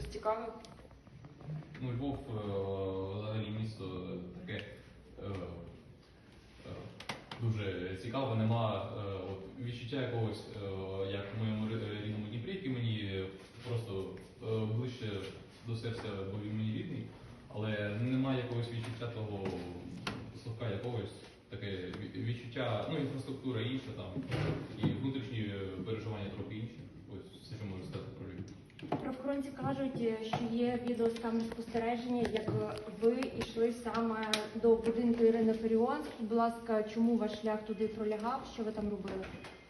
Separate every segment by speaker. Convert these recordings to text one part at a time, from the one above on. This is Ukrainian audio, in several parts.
Speaker 1: щось цікаве?
Speaker 2: Ну, Львов взагалі місто таке дуже цікаве, нема відчуття якогось, як в моєму рідному Дніпрі, який мені просто ближче до серця, бо він мені рідний, але немає якогось відчуття того совка якогось, таке відчуття, ну, інфраструктура інша там, і внутрішні переживання трохи інші. Ось все, що можу сказати про Львів.
Speaker 3: Правоохоронці кажуть, що є відео з камер спостереження, як ви йшли саме до будинку Ірини Фаріон. Скажіть, будь ласка, чому ваш шлях туди пролягав? Що ви там робили?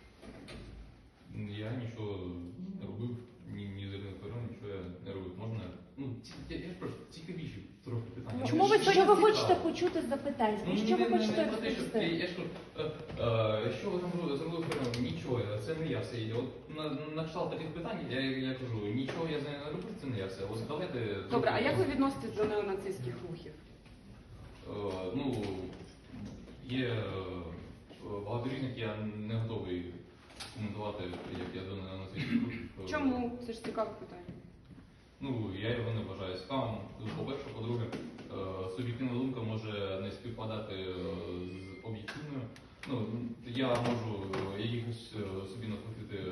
Speaker 2: Я нічого не робив, ні з Іриною Фаріон, нічого я не робив. Можна? Ну, я ж просто цікавіші трохи питання.
Speaker 3: Чому що ви хочете почути з запитань? Що ви хочете розповісти?
Speaker 2: Я ж що ви там зробили Фаріон? Нічого, це не я все. От на кшталт таких питань я кажу, нічого я з нею не робив, це не я все. Ось давайте...
Speaker 1: Добре, а як ви відноситесь до неонацистських рухів?
Speaker 2: Ну, є багато різних, я не готовий коментувати, як я до неонацистських рухів.
Speaker 1: Чому? Це ж цікаве питання.
Speaker 2: Ну, я його не вважаю цікавим. По-перше, по-друге, суб'єктивна думка може не співпадати з об'єктивною. Ну, я можу якихось собі накрутити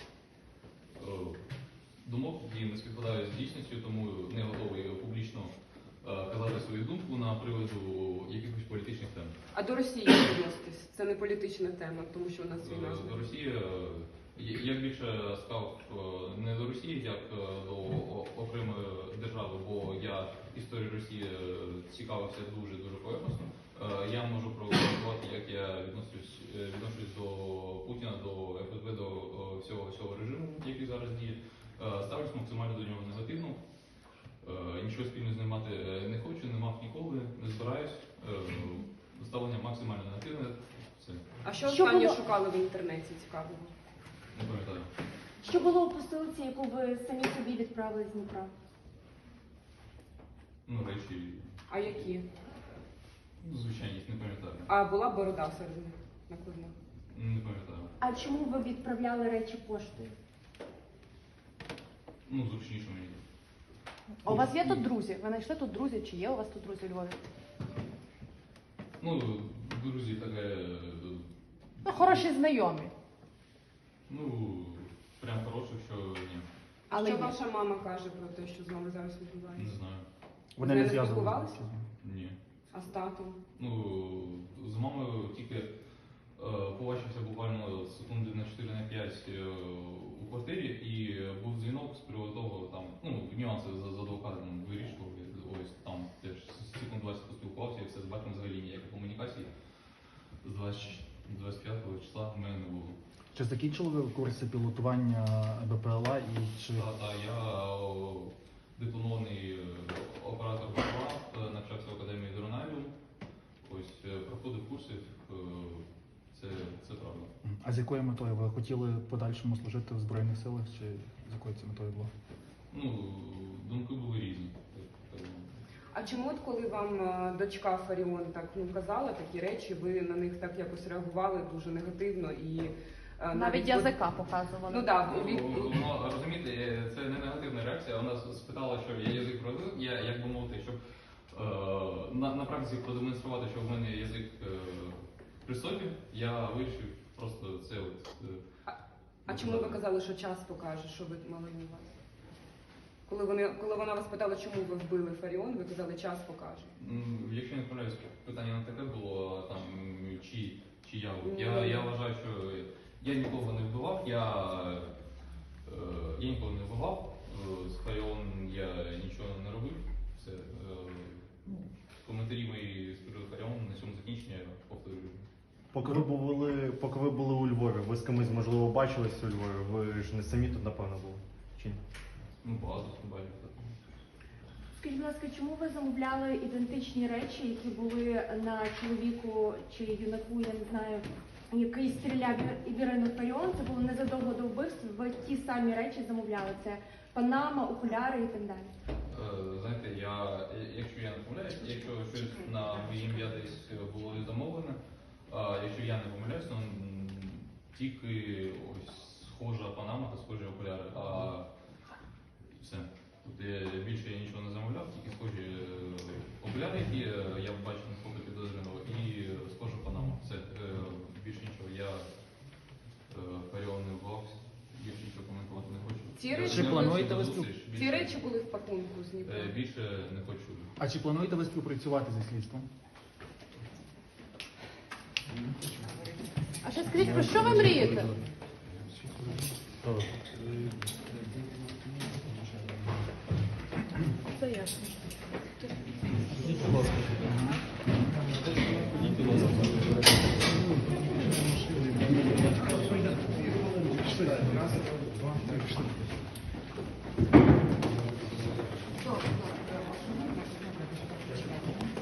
Speaker 2: думок, які не співпадають з дійсністю, тому не готовий публічно казати свою думку на приводу якихось політичних тем.
Speaker 1: А до Росії як відноситесь? Це не політична тема, тому що у нас війна.
Speaker 2: До Росії я більше став не до Росії, як до окремої держави, бо я історію Росії цікавився дуже поверхностно. Я можу прокоментувати, як я відношусь до Путіна, до ФСБ, до всього режиму, який зараз діє. Ставлюсь максимально до нього негативно. Нічого спільно з ним мати не хочу, не мав ніколи, не збираюсь. Ставлення максимально негативне. Все.
Speaker 1: А що останнє шукали в інтернеті цікавого?
Speaker 2: Не пам'ятаю.
Speaker 3: Що було у посилці, яку ви самі собі відправили з Дніпра?
Speaker 2: Ну, речі.
Speaker 1: А які?
Speaker 2: Ну, звичайність, не пам'ятаю.
Speaker 1: А була борода серед них накладна?
Speaker 2: Не пам'ятаю.
Speaker 3: А чому ви відправляли речі поштою?
Speaker 2: Ну, зручніше мені.
Speaker 4: А у вас є тут друзі? Ви знайшли тут друзі? Чи є у вас тут друзі у Львові?
Speaker 2: Ну, друзі, таке...
Speaker 4: Ну, хороші знайомі.
Speaker 2: Ну, прям хороше, що ні.
Speaker 1: А
Speaker 4: Але
Speaker 1: що
Speaker 4: ні.
Speaker 1: ваша мама каже про те, що з вами зараз
Speaker 2: Не
Speaker 1: відбувається?
Speaker 2: знаю.
Speaker 1: Вони не спілкувалися?
Speaker 2: Ні.
Speaker 1: А з татом?
Speaker 2: Ну, з мамою тільки побачився буквально секунди на 4-5 у квартирі, і був дзвінок з приводу того, там, ну, нюанси з адвокатом вирішували, ось там теж секунд 20 поспілкувався, і все, з батьком взагалі ніякої комунікації. З 25 числа в мене не було.
Speaker 5: Чи закінчили ви курси пілотування БПЛА і чи...
Speaker 2: Так, я дипломований оператор БПЛА, навчався в Академії Дронавіум. Ось, проходив курси, це правда.
Speaker 5: А з якою метою? Ви хотіли в подальшому служити в Збройних силах, чи з якою це метою було?
Speaker 2: Ну, думки були різні.
Speaker 1: А чому, от коли вам дочка Фаріон так казала такі речі, ви на них так якось реагували дуже негативно і
Speaker 4: Навіть язика показували.
Speaker 1: Ну так,
Speaker 2: Ну, розумієте, це не негативна реакція. Вона спитала, що я язик провів, я, як би мовити, щоб на практиці продемонструвати, що в мене язик при собі, я вирішив просто це от...
Speaker 1: А чому ви казали, що час покаже, що ви мали на увазі? Коли вона вас питала, чому ви вбили Фаріон, ви казали, час покаже.
Speaker 2: Якщо не помиляюсь, питання не таке було, там, чи я вважаю, що я нікого не вбивав, я нікого не вбивав, з Фаріон я нічого не робив. Все. Коментарі мої з приводу Фаріон на цьому закінчення повторюю.
Speaker 6: Поки ви були у Львові, ви з кимось, можливо, бачились у Львові, ви ж не самі тут, напевно, були? Чи ні?
Speaker 2: Ну, багато бачив.
Speaker 3: Скажіть, будь ласка, чому ви замовляли ідентичні речі, які були на чоловіку чи юнаку, я не знаю, який стріляв в Ірину Фаріон? Це було незадовго до вбивства, ви ті самі речі замовляли. Це панама, окуляри і так далі.
Speaker 2: Знаєте, якщо я не помиляюсь, якщо щось на моє ім'я десь було замовлене, якщо я не помиляюсь, то тільки ось схожа панама та схожі окуляри, а все. Тут Більше я нічого не замовляв, тільки схожі окуляри, які я бачив на фото підозрюваного, і схожа панама. Все, більше нічого. Я Фаріон не вбивався, більше нічого коментувати не хочу.
Speaker 1: Ці речі-
Speaker 5: Чи плануєте ви
Speaker 1: Ці речі були в пакунку з Дніпра.
Speaker 2: Більше не хочу.
Speaker 5: А чи плануєте ви співпрацювати зі слідством?
Speaker 4: А ще скажіть, про що ви мрієте?
Speaker 6: Хто?